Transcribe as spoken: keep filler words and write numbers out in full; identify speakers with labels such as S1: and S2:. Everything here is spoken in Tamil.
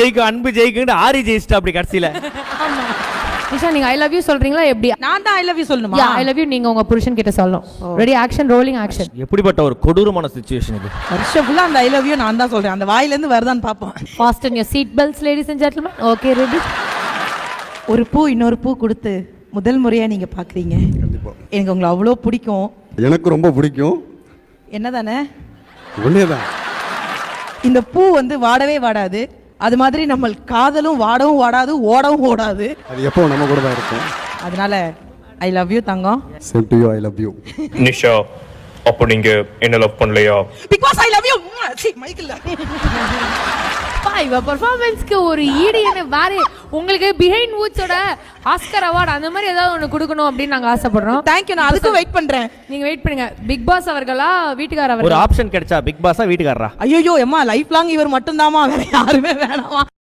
S1: ஜெயிக்கும் அன்பு ஜெயிக்குன்னு ஆரி ஜெயிச்சிட்டா அப்படி கடைசியில.
S2: ஆமா நிஷா நீங்க ஐ லவ் யூ சொல்றீங்களா எப்படி?
S3: நான் தான் ஐ லவ் யூ சொல்லணுமா?
S2: ஐ லவ் யூ நீங்க உங்க புருஷன் கிட்ட சொல்லணும். Ready action rolling action.
S1: எப்படிப்பட்ட ஒரு கொடூரமான சிச்சுவேஷன் இது.
S3: வருஷம் ஃபுல்லா அந்த ஐ லவ் யூ நான் தான் சொல்றேன். அந்த வாயில இருந்து வருதான்னு பாப்போம்.
S2: Fasten your seat belts ladies and gentlemen. Okay ready?
S3: ஒரு பூ இன்னொரு பூ கொடுத்து முதல் முறையா நீங்க பாக்குறீங்க. எனக்கு உங்களை அவ்வளோ பிடிக்கும்.
S4: எனக்கு ரொம்ப பிடிக்கும்.
S3: என்னதானே?
S4: ஒன்னேதான்.
S3: இந்த பூ வந்து வாடவே வாடாது. அது மாதிரி நம்ம காதலும் வாடவும் வாடாது, ஓடவும் ஓடாது.
S4: அது எப்போ நம்ம கூட தான் இருக்கும்.
S3: அதனால ஐ லவ் யூ தங்கம்.
S4: Same to you. I love you.
S5: Nisha அப்போ நீங்க என்ன லவ் பண்ணலையா?
S3: Because I love you. C Michael.
S2: இவ பெர்ஃபார்மன்ஸ்க்கு ஒரு ஈடு என்ன வேற உங்களுக்கு பிஹைண்ட் வூட்ஸோட ஆஸ்கர் அவார்ட் அந்த மாதிரி ஏதாவது ஒன்று கொடுக்கணும் அப்படின்னு நாங்க ஆசைப்படுறோம்.
S3: தேங்க்யூ. நான் அதுக்கு வெயிட் பண்றேன்.
S2: நீங்க வெயிட் பண்ணுங்க. பிக் பாஸ் அவர்களா வீட்டுக்கார அவர்களா?
S1: ஒரு ஆப்ஷன் கிடைச்சா பிக் பாஸா வீட்டுக்காரரா?
S3: ஐயோ அம்மா லைஃப் லாங் இவர் மட்டும் தாமா, வேற யாருமே வேணாமா.